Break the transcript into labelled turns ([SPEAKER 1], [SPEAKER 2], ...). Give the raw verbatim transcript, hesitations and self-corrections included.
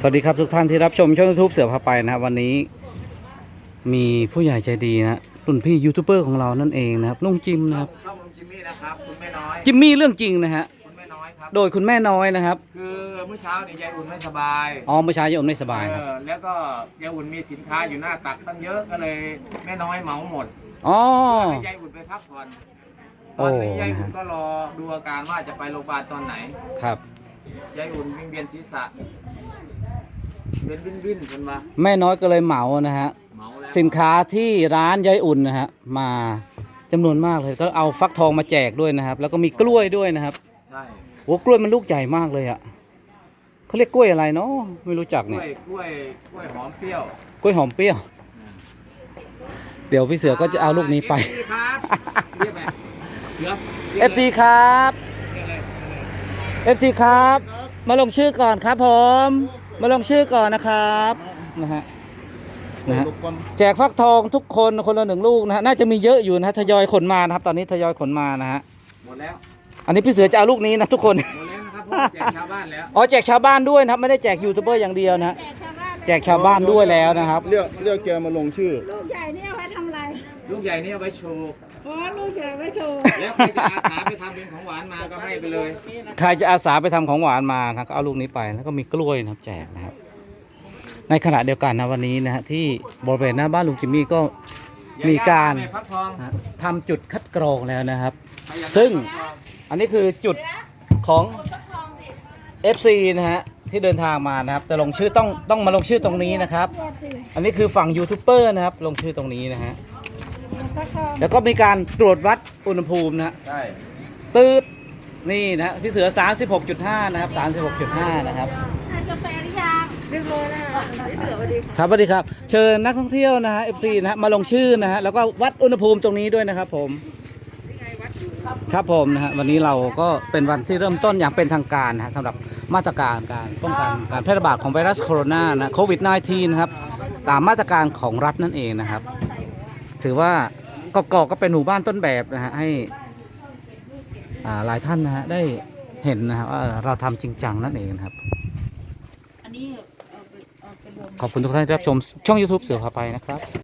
[SPEAKER 1] สวัสดีครับทุกท่านที่รับชมช่องยูทูบเสือพาไปนะครับวันนี้มีผู้ใหญ่ใจดีนะรุ่นพี่ยูทูบเบอร์ของเรานั่นเองนะครับลุงจิมนะครับ
[SPEAKER 2] ช่องลุงจิมมี่นะครับคุณแม่น้อย
[SPEAKER 1] จิมมี่เรื่องจริงนะฮะ
[SPEAKER 2] คุณแม่น้อยครับ
[SPEAKER 1] โดยคุณแม่น้อยนะครับ
[SPEAKER 2] คือเมื่อเช้าเนี่ยยายอุ่นไม่สบาย
[SPEAKER 1] อ๋อเมื่อเช้ายายอุ่นไม่สบายครับ
[SPEAKER 2] เออแล้วก็ยายอุ่นมีสินค้าอยู่หน้าตักตั้งเยอะก็เลยแม่น้อยเหมาหมด
[SPEAKER 1] อ๋อ
[SPEAKER 2] ให้ยายอุ่นไปพักผ่อนตอนนี้ยายอุ่นก็รอดูอาการว่าจะไปโรงพยาบาลตอนไหน
[SPEAKER 1] ครับ
[SPEAKER 2] ยายอุ่นวิงเวียนศีรษะเป็นวินวินคนมา
[SPEAKER 1] แม่น้อยก็เลยเหมานะฮะสินค้าที่ร้านยายอุ่นนะฮะมาจำนวนมากเลยก็เอาฟักทองมาแจกด้วยนะครับแล้วก็มีกล้วยด้วยนะครับ
[SPEAKER 2] ใช่
[SPEAKER 1] โอ้กล้วยมันลูกใหญ่มากเลยอ่ะเขาเรียกกล้วยอะไรเนาะไม่รู้จัก
[SPEAKER 2] กล้
[SPEAKER 1] เนี่
[SPEAKER 2] วย
[SPEAKER 1] ย
[SPEAKER 2] กล้วยกล้วยหอมเปรี้ยว
[SPEAKER 1] กล้วยหอมเปรี้ยวเดี๋ยวพี่เสือก็จะเอาลูกนี้ไป
[SPEAKER 2] เรียกไงเสือ
[SPEAKER 1] เอฟ ซี ครับเอฟ ซี ครับมาลงชื่อก่อนครับผมมาลงชื่อก่อนนะครับนะฮะนะฮะแจกฟักทองทุกคนคนละหนึ่งลูกนะฮะน่าจะมีเยอะอยู่นะทยอยขนมานะครับตอนนี้ทยอยขนมานะฮะ
[SPEAKER 2] หมดแล้ว
[SPEAKER 1] อันนี้พี่เสือจะเอาลูกนี้นะทุกคน
[SPEAKER 2] หมดแล้วนะครับเพราะแจกชาวบ้านแล้ว
[SPEAKER 1] อ๋อแจกชาวบ้านด้วยนะครับไม่ได้แจกยูทูบเบอร์อย่างเดียวนะฮะแจกชาวบ้านด้วยแล้วนะครับ
[SPEAKER 3] เรียกเรียกแกมาลงชื่อ
[SPEAKER 4] ลูกใหญ่นี่เอาไว้ทำอะไร
[SPEAKER 2] ลูกใหญ่นี่เอาไว้โชว์
[SPEAKER 4] อ๋อลูกใหญ่ไว้โชว์
[SPEAKER 2] แล้วใครจะอาสาไปทำเป็นของหวานมาก็ให้ไปเลย
[SPEAKER 1] ใครจะอาสาไปทำของหวานมาครับก็เอาลูกนี้ไปแล้วก็มีกล้วยนะครับแจกนะครับในขณะเดียวกันนะวันนี้นะฮะที่บริเวณหน้าบ้านลุงจิมมี่ก็มีการทำจุดคัดกรองแล้วนะครับ ซึ่งอันนี้คือจุดของ เอฟ ซี นะฮะที่เดินทางมานะครับแต่ลงชื่อต้องต้องมาลงชื่อตรงนี้นะครับอันนี้คือฝั่งยูทูบเบอร์นะครับลงชื่อตรงนี้นะฮะแล้วก็มีการตรวจวัดอุณหภูมินะ
[SPEAKER 2] ใช่
[SPEAKER 1] ตืดนี่นะพี่เสือ สามสิบหกจุดห้า นะครับ สามสิบหกจุดห้า นะครับ
[SPEAKER 4] ทานกาแฟหรือยังเรียบร้อยแล้วพี่เสือสวัสดี
[SPEAKER 1] ครับสวัสดีครับเชิญนักท่องเที่ยวนะฮะ เอฟ ซี นะฮะมาลงชื่อนะฮะแล้วก็วัดอุณหภูมิตรงนี้ด้วยนะครับผมครับผมนะฮะวันนี้เราก็เป็นวันที่เริ่มต้นอย่างเป็นทางการนะฮะสำหรับมาตรการการป้องกันการแพร่ระบาดของไวรัสโคโรนานะโควิด สิบเก้า นะครับตามมาตรการของรัฐนั่นเองนะครับถือว่ากกอกก็เป็นหมู่บ้านต้นแบบนะฮะให้หลายท่านนะฮะได้เห็นนะครับว่าเราทำจริงจังนั่นเองนะครับขอบคุณทุกท่านที่รับชมช่อง ยูทูบ เสือพาไปนะครับ